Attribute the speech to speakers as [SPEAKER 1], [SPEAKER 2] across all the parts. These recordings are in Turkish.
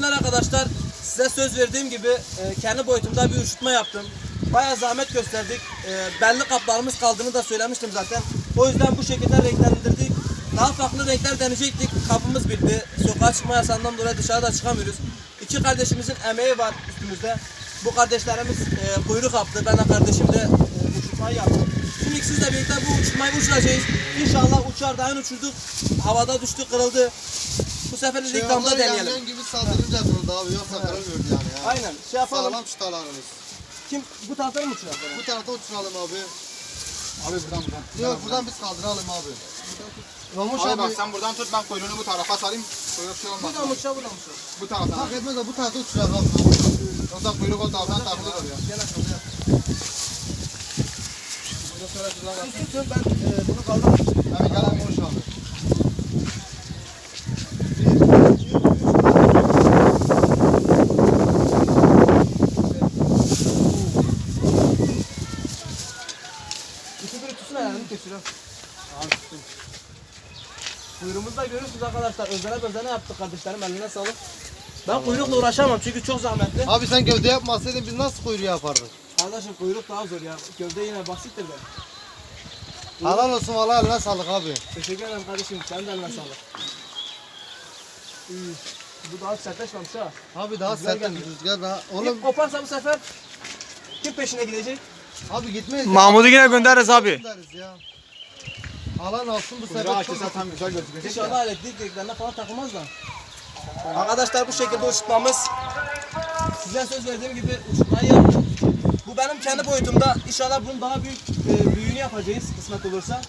[SPEAKER 1] izleyenler arkadaşlar, size söz verdiğim gibi kendi boyutumda bir uçurtma yaptım. Bayağı zahmet gösterdik. Belli kaplarımız kaldığını da söylemiştim zaten. O yüzden bu şekilde renklendirdik. Daha farklı renkler deneyecektik. Kapımız bitti. Sokağa çıkma yasağından dolayı dışarıda çıkamıyoruz. İki kardeşimizin emeği var üstümüzde. Bu kardeşlerimiz kuyruk yaptı. Ben de kardeşim de uçurtmayı yaptım. Şimdi sizle birlikte bu uçurtmayı uçuracağız. İnşallah uçar. Daha uçurduk. Havada düştü, kırıldı. Bu sefer de ilk damda deneyelim.
[SPEAKER 2] Yandan gibi saldırınca kırıldı abi. Yoksa kırılmıyordu yani. Ya.
[SPEAKER 1] Aynen. Şey yapalım.
[SPEAKER 2] Sağlam çıtalarımız.
[SPEAKER 1] Kim bu taraftan mı uçurar?
[SPEAKER 2] Bu tarafta uçuralım abi.
[SPEAKER 3] Abi buradan.
[SPEAKER 2] Yok buradan biz kaldıralım abi. Mamuş
[SPEAKER 3] Abi
[SPEAKER 2] abi.
[SPEAKER 3] bak sen buradan tut, ben kuyruğunu bu tarafa sarayım. Kuyruk şey olmaz.
[SPEAKER 1] Buradan mı uçurar, buradan mı uçurar?
[SPEAKER 3] Bu taraftan.
[SPEAKER 2] Fark etmez de bu tarafta uçuralım abi.
[SPEAKER 3] Yoksa kuyruk o taraftan takılır oraya.
[SPEAKER 1] Gel aşağıda yap. Tutun ben bunu kaldırırım.
[SPEAKER 2] Abi gel Mamuş abi.
[SPEAKER 1] İki bir tutsun ayağını geçiyor. Kuyruğumuzda görüyorsunuz arkadaşlar. Özene yaptık kardeşlerim. Eline sağlık. Ben kuyrukla uğraşamam çünkü çok zahmetli.
[SPEAKER 2] Abi sen gövde yapmasaydın biz nasıl kuyruğu yapardık?
[SPEAKER 1] Kardeşim kuyruk daha zor ya. Gövde yine basittir be.
[SPEAKER 2] Helal olsun valla eline sağlık abi.
[SPEAKER 1] Teşekkür ederim kardeşim. Sen de eline sağlık. Bu daha sertleşmemiş ha.
[SPEAKER 2] Abi daha
[SPEAKER 1] Rüzgar
[SPEAKER 2] sert
[SPEAKER 1] gelmiyor.
[SPEAKER 2] rüzgar daha.
[SPEAKER 1] Oğlum
[SPEAKER 2] Oğlum
[SPEAKER 1] koparsa bu sefer kim peşine gidecek?
[SPEAKER 2] abi gitmeyiz.
[SPEAKER 4] Mahmut'u yine göndeririz abi.
[SPEAKER 2] Gideriz ya. Alan olsun bu
[SPEAKER 3] Kuyruğu
[SPEAKER 2] sefer
[SPEAKER 3] açılsa
[SPEAKER 2] çok
[SPEAKER 3] tam güzel gözükecek ya.
[SPEAKER 1] İnşallah elektrik direklerine falan takılmaz da. Arkadaşlar bu şekilde uçurtmamız. Size söz verdiğim gibi uçurtmayı yaptık. Bu benim kendi boyutumda. İnşallah bunun daha büyüğünü yapacağız kısmet olursa.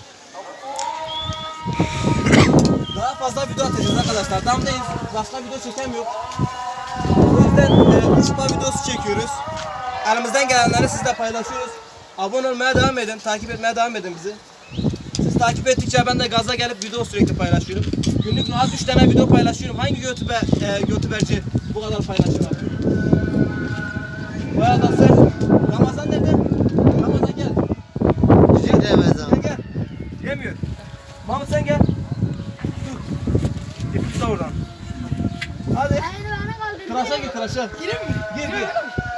[SPEAKER 1] Daha fazla video atacağız arkadaşlar. Damdayız. Başka video çekemiyor. O yüzden uçurtma videosu çekiyoruz. Elimizden gelenleri sizle paylaşıyoruz. Abone olmaya devam edin. Takip etmeye devam edin bizi. Siz takip ettikçe ben de gaza gelip video sürekli paylaşıyorum. Günlük rahat 3 tane video paylaşıyorum. Hangi YouTuberci bu kadar paylaşır abi? Bayağı da sen. Ramazan nerede? Ramazan gel.
[SPEAKER 2] Bizim demez abi.
[SPEAKER 1] Gel. Yemiyor. Mahmut sen gel. Dur. İpi tut oradan. Hadi. Tıraşa gir tıraşa. Gireyim mi? Gir.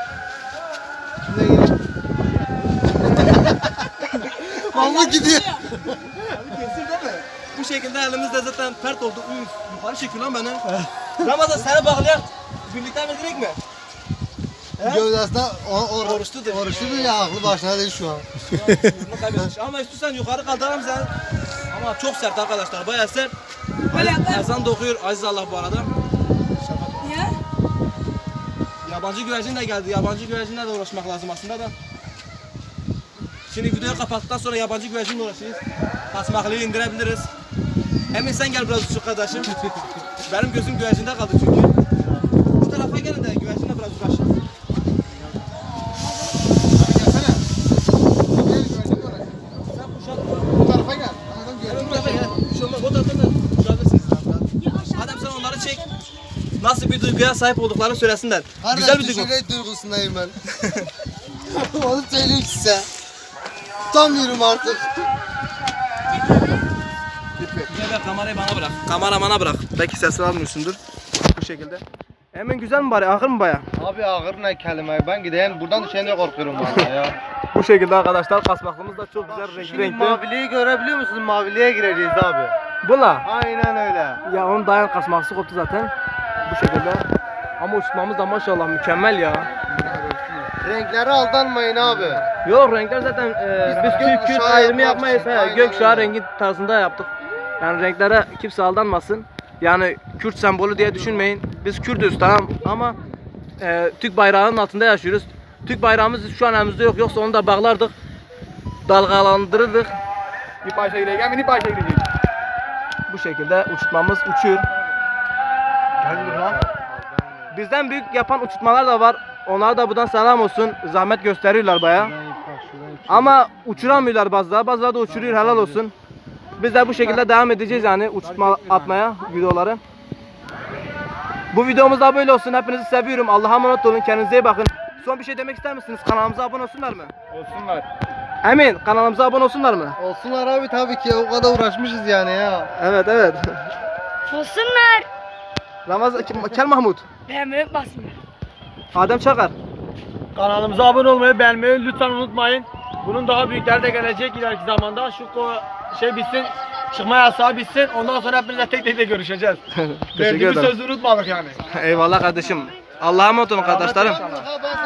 [SPEAKER 2] Mahmut gidiyor.
[SPEAKER 1] Abi kesir değil mi? Bu şekilde elimizde zaten pert oldu. Üf, yukarı çekiyor lan beni. Ramazan seni bağlayan birlikte verdirek mi?
[SPEAKER 2] Gövdesinde
[SPEAKER 1] Oruçludur.
[SPEAKER 2] Oruçludur ya aklı başına değil şu an.
[SPEAKER 1] Yolunu kaybetmiş. Ama istiyorsan yukarı kaldıralım sen. Ama çok sert arkadaşlar, bayağı sert. Ezan da okuyor Aziz Allah bu arada.
[SPEAKER 5] Niye?
[SPEAKER 1] Yabancı güvercin de geldi. Yabancı güvercinle de uğraşmak lazım aslında da. Şimdi videoyu kapattıktan sonra yabancı güvercinle uğraşırız. Kasmaklıyı indirebiliriz. Emin sen gel biraz uçuk kardeşim. Benim gözüm güvercinde kaldı çünkü. Bu tarafa gelin de güvercinle biraz uğraşın.
[SPEAKER 2] Gelsene.
[SPEAKER 1] Sen kuşat.
[SPEAKER 2] Bu tarafa gel. Adam
[SPEAKER 1] Evet, bu
[SPEAKER 2] görüyor.
[SPEAKER 1] tarafa gel. Bir şey olmaz. O taraftan da uçabilirsiniz. Madem sen onları çek. Nasıl bir duyguya sahip olduklarını söylesinler. Güzel bir duygu.
[SPEAKER 2] Düşünce duygusundayım ben. Onu söyleyeyim size. Tutamıyorum artık.
[SPEAKER 1] Güzel ver, kamerayı bana bırak. Kameramana bırak. Belki sesini almıyorsundur. Bu şekilde. Emin güzel mi bari? Ağır mı baya?
[SPEAKER 2] Abi ağır ne kelime ben gideyim buradan düşene korkuyorum valla ya.
[SPEAKER 1] Bu şekilde arkadaşlar kasmaklımız da çok güzel renkli
[SPEAKER 2] Şimdi
[SPEAKER 1] renkli.
[SPEAKER 2] maviliği görebiliyor musunuz? Maviliğe gireceğiz abi.
[SPEAKER 1] Bula.
[SPEAKER 2] Aynen öyle.
[SPEAKER 1] Ya onun dayan kasması koptu zaten. Bu şekilde. Ama uçmamız da maşallah mükemmel ya.
[SPEAKER 2] Renklere aldanmayın abi.
[SPEAKER 1] Yok renkler zaten biz Türk
[SPEAKER 2] gökkuşağı
[SPEAKER 1] ayrımı
[SPEAKER 2] yapmak
[SPEAKER 1] yapmayız.
[SPEAKER 2] için,
[SPEAKER 1] He,
[SPEAKER 2] aynen
[SPEAKER 1] gökkuşağı
[SPEAKER 2] öyle.
[SPEAKER 1] rengi tarzında yaptık. Yani renklere kimse aldanmasın. Yani Kürt sembolü diye düşünmeyin. Biz Kürtüz tamam ama Türk bayrağının altında yaşıyoruz. Türk bayrağımız şu an elimizde yok. Yoksa onu da bağlardık. Dalgalandırırdık.
[SPEAKER 3] Bir parça gireceğim, bir parça gireceğim.
[SPEAKER 1] Bu şekilde uçurtmamız uçuyor. Bizden büyük yapan uçurtmalar da var. Onlara da buradan selam olsun. Zahmet gösteriyorlar baya. Ama uçuramıyorlar bazıları. Bazıları da uçuruyor, helal olsun. Biz de bu şekilde devam edeceğiz yani uçurtma atmaya videoları. Bu videomuz da böyle olsun. Hepinizi seviyorum. Allah'a emanet olun. Kendinize iyi bakın. Son bir şey demek ister misiniz? Kanalımıza abone olsunlar mı?
[SPEAKER 3] Olsunlar.
[SPEAKER 1] Emin, kanalımıza abone olsunlar mı?
[SPEAKER 2] Olsunlar abi tabii ki o kadar uğraşmışız yani ya.
[SPEAKER 1] Evet.
[SPEAKER 5] Olsunlar.
[SPEAKER 1] Ramazan Kel Mahmut.
[SPEAKER 5] Beğenmeyi unutmasınlar.
[SPEAKER 1] Adem Çakar.
[SPEAKER 4] Kanalımıza abone olmayı, beğenmeyi lütfen unutmayın. Bunun daha büyükleri de gelecek ileriki zamanda. Şu şey bitsin, çıkma yasağı bitsin. Ondan sonra hepinizle tek tek de görüşeceğiz.
[SPEAKER 1] Teşekkür
[SPEAKER 4] Verdiğimiz
[SPEAKER 1] ederim.
[SPEAKER 4] sözü unutmadık yani.
[SPEAKER 1] Eyvallah kardeşim. Allah'a emanet olun kardeşlerim.
[SPEAKER 3] Ha, ben